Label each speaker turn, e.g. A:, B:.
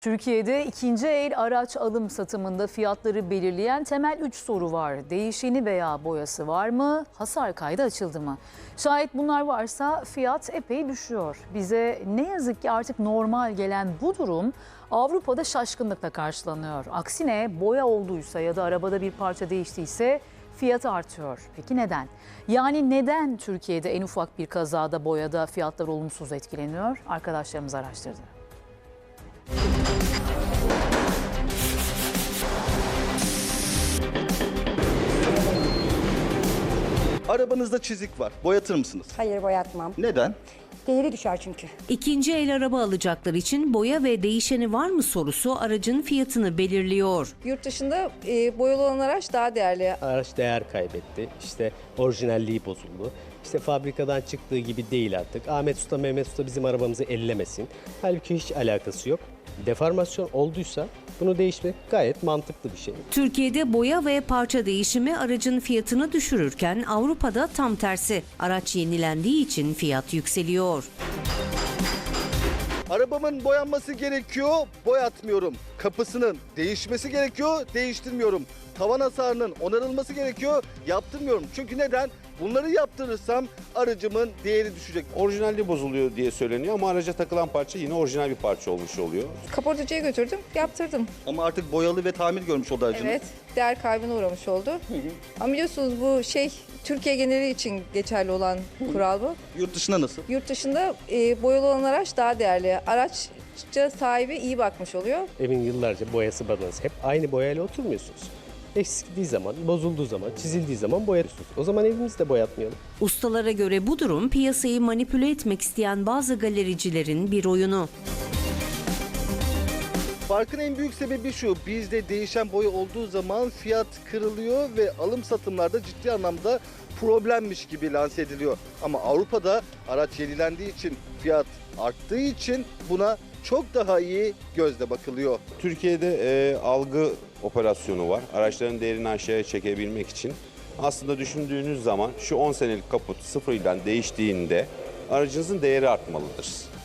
A: Türkiye'de ikinci el araç alım satımında fiyatları belirleyen temel 3 soru var. Değişeni veya boyası var mı? Hasar kaydı açıldı mı? Şayet bunlar varsa fiyat epey düşüyor. Bize ne yazık ki artık normal gelen bu durum Avrupa'da şaşkınlıkla karşılanıyor. Aksine boya olduysa ya da arabada bir parça değiştiyse fiyatı artıyor. Peki neden? Yani neden Türkiye'de en ufak bir kazada boyada fiyatlar olumsuz etkileniyor? Arkadaşlarımız araştırdı.
B: Arabanızda çizik var. Boyatır mısınız?
C: Hayır, boyatmam.
B: Neden?
C: Değeri düşer çünkü.
D: İkinci el araba alacaklar için boya ve değişeni var mı sorusu aracın fiyatını belirliyor.
E: Yurt dışında boyalı olan araç daha değerli.
F: Araç değer kaybetti. İşte orijinalliği bozuldu. İşte fabrikadan çıktığı gibi değil artık. Ahmet Usta, Mehmet Usta bizim arabamızı ellemesin. Halbuki hiç alakası yok. Deformasyon olduysa bunu değişmek gayet mantıklı bir şey.
D: Türkiye'de boya ve parça değişimi aracın fiyatını düşürürken Avrupa'da tam tersi. Araç yenilendiği için fiyat yükseliyor.
B: Arabamın boyanması gerekiyor, boyatmıyorum. Kapısının değişmesi gerekiyor, değiştirmiyorum. Tavan hasarının onarılması gerekiyor, yaptırmıyorum. Çünkü neden? Bunları yaptırırsam aracımın değeri düşecek.
G: Orijinalliği bozuluyor diye söyleniyor ama araca takılan parça yine orijinal bir parça olmuş oluyor.
E: Kaportacıya götürdüm, yaptırdım.
B: Ama artık boyalı ve tamir görmüş oldu aracınız.
E: Evet, değer kaybına uğramış oldu. Ama biliyorsunuz bu Türkiye geneli için geçerli olan kural bu.
B: Yurt dışında nasıl?
E: Yurt dışında boyalı olan araç daha değerli. Araçça sahibi iyi bakmış oluyor.
F: Evin yıllarca boyası badanası. Hep aynı boyayla oturmuyorsunuz. Eskidiği zaman, bozulduğu zaman, çizildiği zaman boyatıyorsunuz. O zaman evimizi de boyatmayalım.
D: Ustalara göre bu durum piyasayı manipüle etmek isteyen bazı galericilerin bir oyunu.
B: Farkın en büyük sebebi şu, bizde değişen boya olduğu zaman fiyat kırılıyor ve alım satımlarda ciddi anlamda problemmiş gibi lanse ediliyor. Ama Avrupa'da araç yenilendiği için, fiyat arttığı için buna çok daha iyi gözle bakılıyor.
G: Türkiye'de algı operasyonu var. Araçların değerini aşağıya çekebilmek için. Aslında düşündüğünüz zaman şu 10 senelik kaput sıfırdan değiştiğinde aracınızın değeri artmalıdır.